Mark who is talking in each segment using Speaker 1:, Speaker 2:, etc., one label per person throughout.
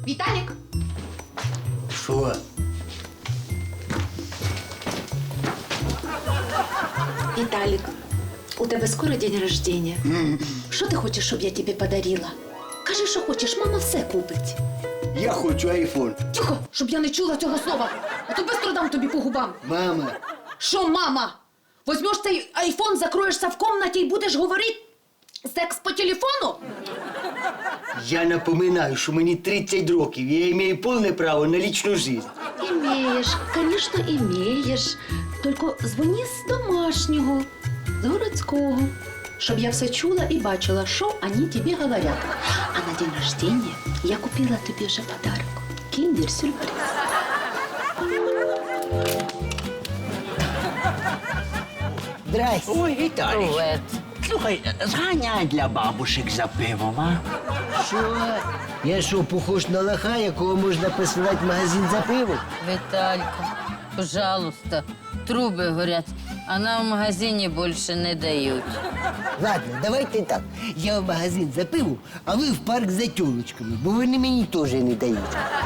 Speaker 1: Виталик!
Speaker 2: Що?
Speaker 1: Виталик, у тебе скоро день рождения. Що ти хочеш, щоб я тобі подарила? Кажи, що хочеш, мама все купить.
Speaker 2: Я хочу айфон.
Speaker 1: Тихо, щоб я не чула цього слова. А то бистро дам тобі по губам.
Speaker 2: Мама.
Speaker 1: Що, мама? Возьмеш цей айфон, закроєшся в комнаті і будеш говорити секс по телефону?
Speaker 2: Я напоминаю, що мені 30 років, і я маю повне право на лічну життя.
Speaker 1: Імеєш, звісно, імеєш. Тільки дзвони з домашнього, з городського, щоб я все чула і бачила, що вони тобі говорять. А на день рождения я купила тобі вже подарок. Кіндер-сюрприз.
Speaker 2: Здрасте.
Speaker 3: Ой, Віталій.
Speaker 4: Привет.
Speaker 3: Слухай, зганяй для бабушек за пивом, а?
Speaker 2: Що? Я що, похож на лоха, якого можна посилати в магазин за пивом?
Speaker 4: Виталька, пожалуйста, трубы горят, а нам в магазине больше не дают.
Speaker 2: Ладно, давайте так. Я в магазин за пивом, а ви в парк за тёлочками, бо вони мені теж не дають.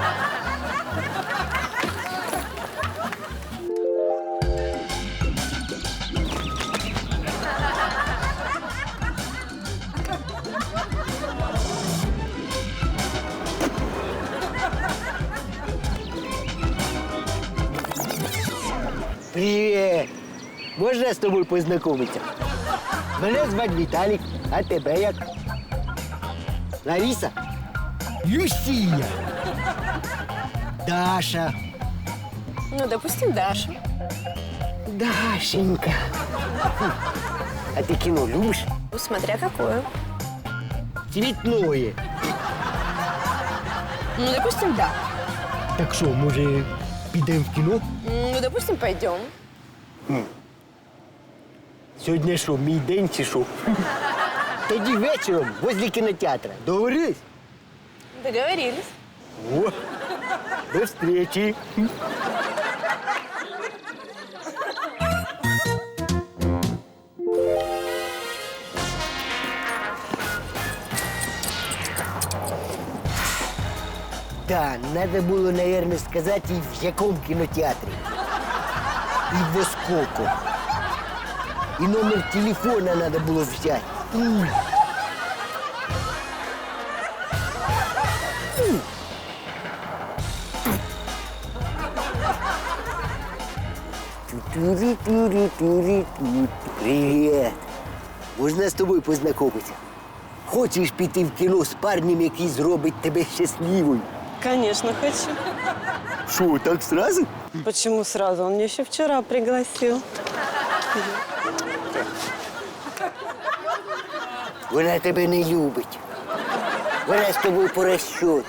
Speaker 2: Привіт! Можна з тобою познайомитися? Мене звати Віталік, а тебе як? Лариса? Люсія. Даша.
Speaker 5: Ну, допустим, Даша.
Speaker 2: Дашенька. А ти кіно любиш?
Speaker 5: Ну, смотря какое.
Speaker 2: Цвітное.
Speaker 5: Ну, допустим, да.
Speaker 2: Так що, може, підемо в кіно?
Speaker 5: Ну, допустим, пойдем.
Speaker 2: Сьогодні що, мій день чи що? Тоді вечором возле кінотеатра. Договорились?
Speaker 5: Договорились.
Speaker 2: О, до встречи. Да, надо было, наверное, сказать, и в яком кинотеатре. И во сколько. И номер телефона надо было взять. Привет. Можна з тобою познайомитися? Хочеш піти в кіно з парнем, який зробить тебе щасливою?
Speaker 6: Конечно, хочу.
Speaker 2: Що, так сразу?
Speaker 6: Почему сразу? Он меня еще вчера пригласил.
Speaker 2: Вона тебе не любить. Вона з тобою по розчету.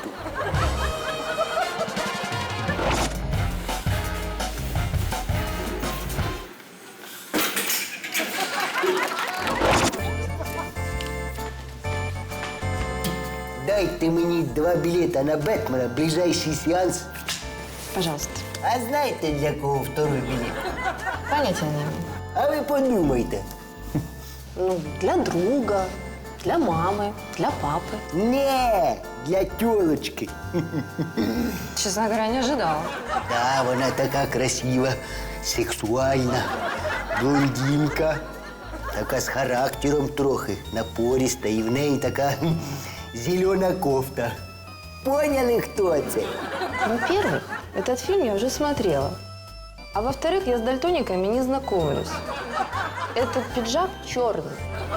Speaker 2: Дайте мені 2 білета на Бетмена, ближайший сеанс.
Speaker 5: Пожалуйста.
Speaker 2: А знаєте, для кого второй білет?
Speaker 5: Понятия не имею.
Speaker 2: А ви подумайте.
Speaker 5: Ну, для друга, для мамы, для папы.
Speaker 2: Не, для тёлочки.
Speaker 5: Честно говоря, не ожидала.
Speaker 2: Да, вона така красива, сексуальна, блондинка, така з характером трохи, напориста, і в неї така зелена кофта. Поняли, хто це?
Speaker 5: Ну, первый, этот фильм я уже смотрела. А во-вторых, я с дальтониками не знакомлюсь. Этот пиджак черный.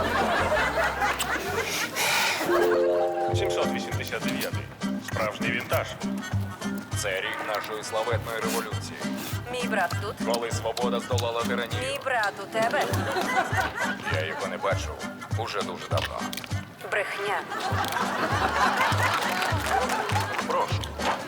Speaker 7: 789. Справжній вінтаж. Це рік нашої славетної революції.
Speaker 8: Мій брат тут.
Speaker 7: Коли свобода здолала тиранію.
Speaker 8: Мій брат у тебе.
Speaker 7: Я його не бачив уже дуже давно.
Speaker 8: Брехня.
Speaker 7: Прошу.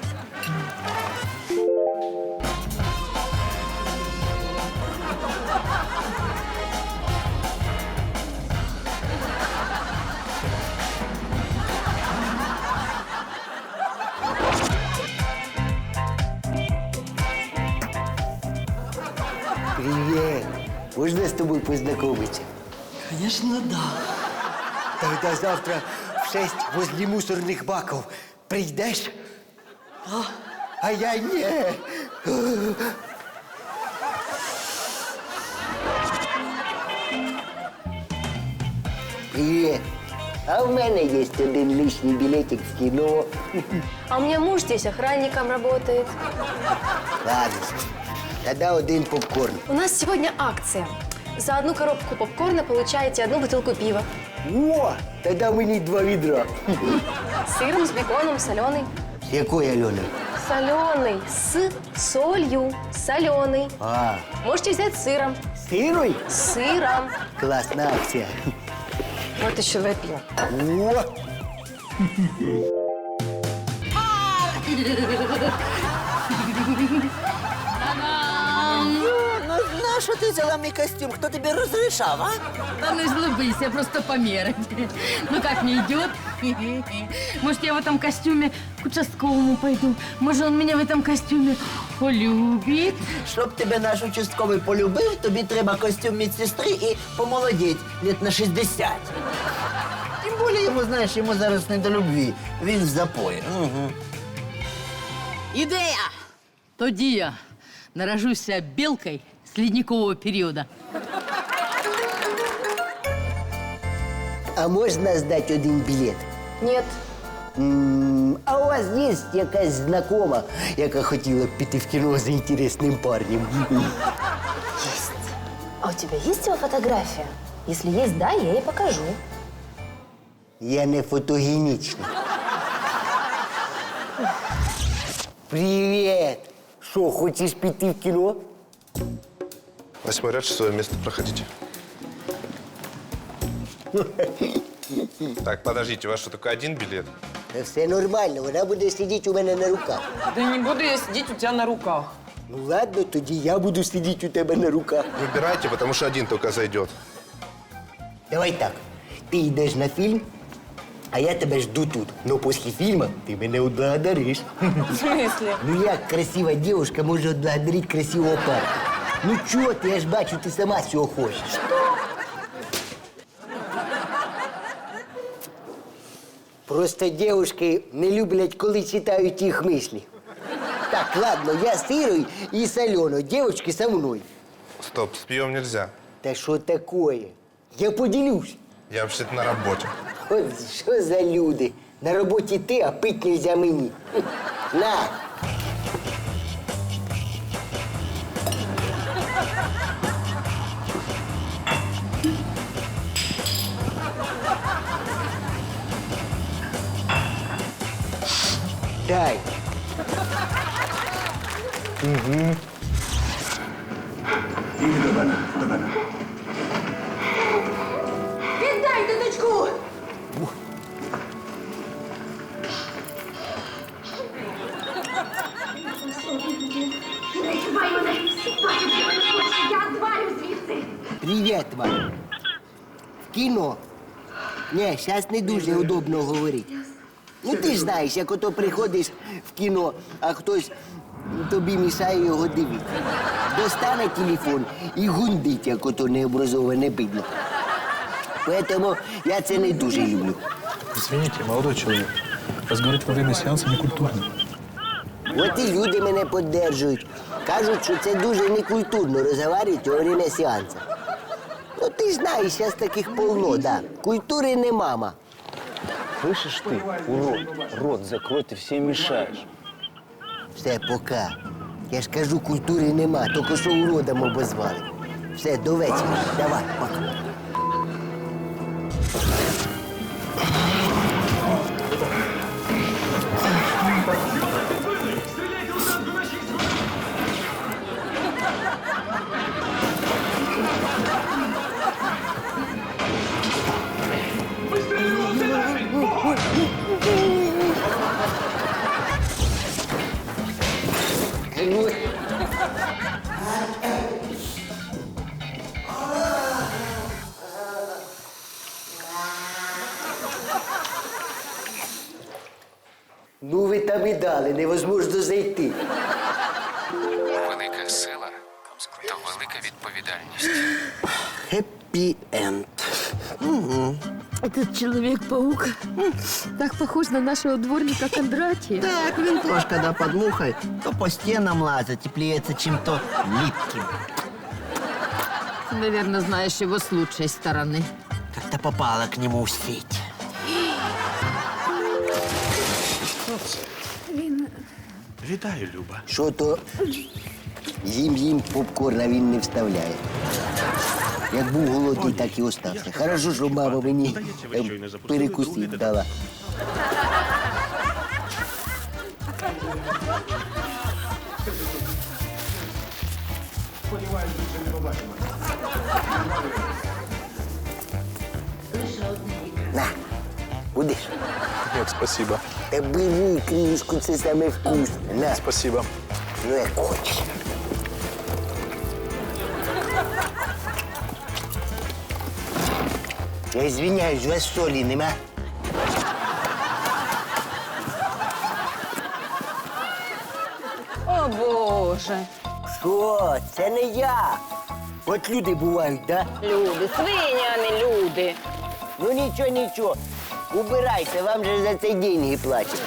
Speaker 2: Привет. Можна з тобою познайомитися?
Speaker 6: Конечно, да.
Speaker 2: Тогда завтра в 6 возле мусорных баков прийдеш? А я ні. Привіт. А в мене є один лишній білетик в кіно.
Speaker 5: А у меня муж здесь охранником работает.
Speaker 2: Ладно, тогда один попкорн.
Speaker 5: У нас сегодня акция. За одну коробку попкорна получаете одну бутылку пива.
Speaker 2: О, тогда мені 2 відра.
Speaker 5: С сыром, с беконом, соленый.
Speaker 2: З якої, Альона?
Speaker 5: Соленый. С солью. Соленый.
Speaker 2: А,
Speaker 5: Можете взять с сыром.
Speaker 2: сирой?
Speaker 5: С сыром.
Speaker 2: Класна акція.
Speaker 5: Вот еще выпью.
Speaker 2: О,
Speaker 3: Ну, нащо ти взяла мій костюм? Хто тобі розрішав, а?
Speaker 4: Да ну излыбись, я просто померить. Ну как, не идет? Может, я в этом костюме к участковому пойду? Может, он меня в этом костюме полюбит?
Speaker 3: Щоб тебе наш участковий полюбив, тобі треба костюм медсестри і помолодіть лет на 60. Тим більше йому, знаєш, йому зараз не до любві. Він в запої. Угу.
Speaker 4: Ідея! Тоді я наражуся білкою з ледникового періоду.
Speaker 2: а можна здати один білет?
Speaker 5: Нет.
Speaker 2: А у вас є якась знакома, яка хотіла б піти в кіно за інтересним парнем?
Speaker 5: Есть. А у тебя есть его фотография? Если есть, да, я ей покажу.
Speaker 2: Я не фотогенічний. Привіт! Що, хочеш піти в кіно?
Speaker 9: 8 ряд, 6 место, проходите. Так, подождите, у вас что, только один билет?
Speaker 2: Та все нормально, вона буде сидіти у мене на руках.
Speaker 6: Да не буду я сидеть у тебя на руках.
Speaker 2: Ну ладно, тоді я буду сидіти у тебе на руках.
Speaker 9: Выбирайте, потому что один только зайдет.
Speaker 2: Давай так, ти йдеш на фільм, а я тебе жду тут. Но після фільму ти мене отблагодариш.
Speaker 6: В смысле?
Speaker 2: Ну як красива дівчинка може отблагодарити красивого парня? Ну чого ти, я ж бачу, ти сама цього хочеш. Просто дівчатки не люблять, коли читають їх мислі. Так, ладно, я з Ірою і з Альоною, дівчатки со мною.
Speaker 9: Стоп, с пьем нельзя.
Speaker 2: Та що такое? Я поділюсь.
Speaker 9: Я вообще-то на работе.
Speaker 2: От що за люди? На роботі ти, а пить нельзя мені. На! Дай.
Speaker 1: Віддайте дочку!
Speaker 10: Я звалю звідси.
Speaker 2: Привіт вам. В кіно? Ні, зараз не дуже удобно говорити. Ну ти ж знаєш, як ото приходиш в кіно, а хтось тобі мішає його дивитися. Достане телефон і гундить, як ото необразоване бидло. Поэтому я це не дуже люблю.
Speaker 11: Извините, молодой человек. Разговаривать во время сеанса некультурно.
Speaker 2: От і люди мене підтримують. Кажуть, що це дуже некультурно розговорювати во время сеансу. Ну ти ж знаєш, зараз таких полно, да. Культури не мама.
Speaker 12: Слышишь ты, урод? Рот закрой, ты всем мешаешь.
Speaker 2: Все, пока. Я ж кажу, культури нема, тільки що уродом обозвали. Все, до вечора. Давай, пока. Ну ви там і дали, невозможно зайти.
Speaker 7: Велика сила то велика відповідальність.
Speaker 3: Хеппі енд.
Speaker 4: Этот Человек-паук так похож на нашего дворника Кондратия.
Speaker 3: Так, він теж, коли під мухою, то по стінам лазить і плюється чим-то липким.
Speaker 4: Наверное, знаешь его с лучшей стороны.
Speaker 3: Как-то попала к нему в сеть.
Speaker 11: Вітаю, Люба.
Speaker 2: Що то їм попкорн, а він не вставляє. Як був голодний, так і остався. Хорошо, що мама мені перекусити дала. На, будеш?
Speaker 9: Нет, спасибо.
Speaker 2: Та бери книжку, це саме вкусне. На,
Speaker 9: Спасибо.
Speaker 2: ну як хочеш. Я извиняюсь, у вас солі нема?
Speaker 4: О, Боже.
Speaker 2: Що? Це не я. От люди бувають, да?
Speaker 4: Люди, свині, а не люди.
Speaker 2: Ну нічого, нічого. Убирайте, вам же за це деньги платять.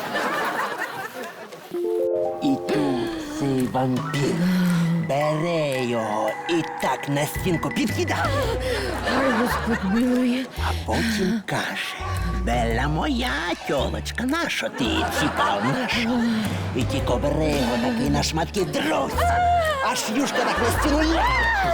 Speaker 2: І тут цей вампір бере його і так на стінку підкидає.
Speaker 4: Ой, Господь милує.
Speaker 3: А потім каже: Белла моя тьолочка, нащо ти ціпав нашу? І тільки бере його такий на шматки дрось. Аж юшка так на стіну ляже.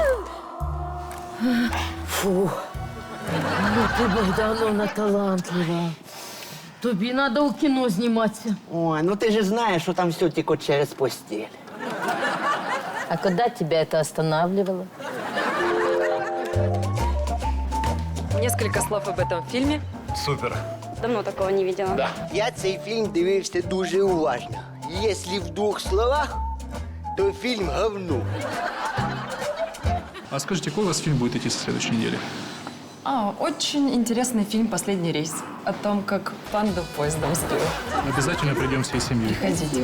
Speaker 4: Фу. Ну ти, Богдановна, талантлива. Тобі треба у кіно зніматися.
Speaker 3: Ой, ну ти ж знаєш, що там все тільки через постіль.
Speaker 4: А когда тебя это останавливало?
Speaker 8: Несколько слов об этом фильме.
Speaker 11: Супер.
Speaker 8: Давно такого не видела.
Speaker 2: Я цей фільм дивився дуже уважно. Якщо в двох словах, то фільм говно.
Speaker 11: А скажите, какой у вас фильм будет идти со следующей недели?
Speaker 6: Очень интересный фильм «Последний рейс». О том, как панду поездом сбил.
Speaker 11: Обязательно придем всей семьей.
Speaker 6: Приходите.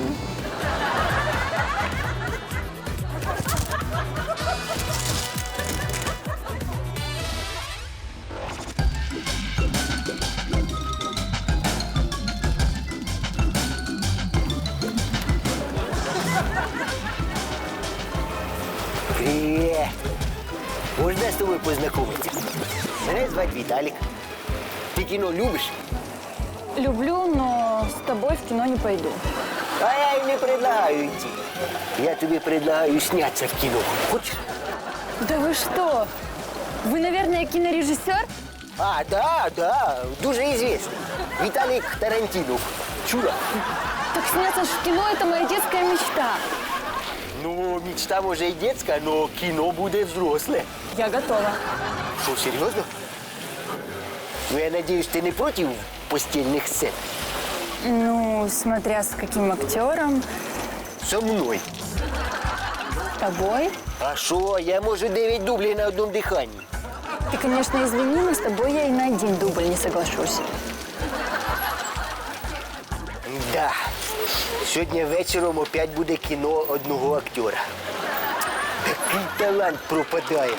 Speaker 2: Привіт. Можна з тобою познайомитися? Мене звати Віталік. Ти кіно любиш?
Speaker 8: Люблю, но с тобой в кино не пойду.
Speaker 2: А я й не предлагаю йти. Я тобі предлагаю снятися в кіно. Хочеш?
Speaker 8: Да вы что? Вы, наверное, кинорежиссер?
Speaker 2: А, да, дуже известный. Віталік Тарантінов. Чула?
Speaker 8: Так сняться ж в кино – это моя детская мечта.
Speaker 2: Ну, мечта може і детська, но кіно буде взросле.
Speaker 8: Я готова.
Speaker 2: Що, серйозно? Ну, я надіюсь, ти не проти постільних сцен?
Speaker 8: Ну, смотря с каким актером.
Speaker 2: Со мною.
Speaker 8: С тобой.
Speaker 2: А що, я можу 9 дублей на одному диханні.
Speaker 8: Ты, конечно, извини, но с тобой я и на один дубль не соглашусь.
Speaker 2: Да. Сьогодні вечором опять буде кіно одного актера. Такий талант пропадає.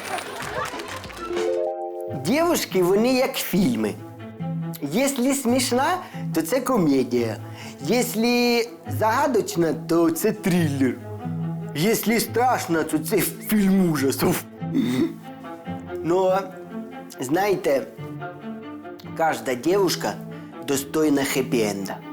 Speaker 2: Дівушки, вони як фільми. Якщо смішна, то це комедія. Якщо загадочна, то це трилер. Якщо страшно, то це фільм ужасів. Но, знаєте, кожна дівчинка достойна хеппі-енда.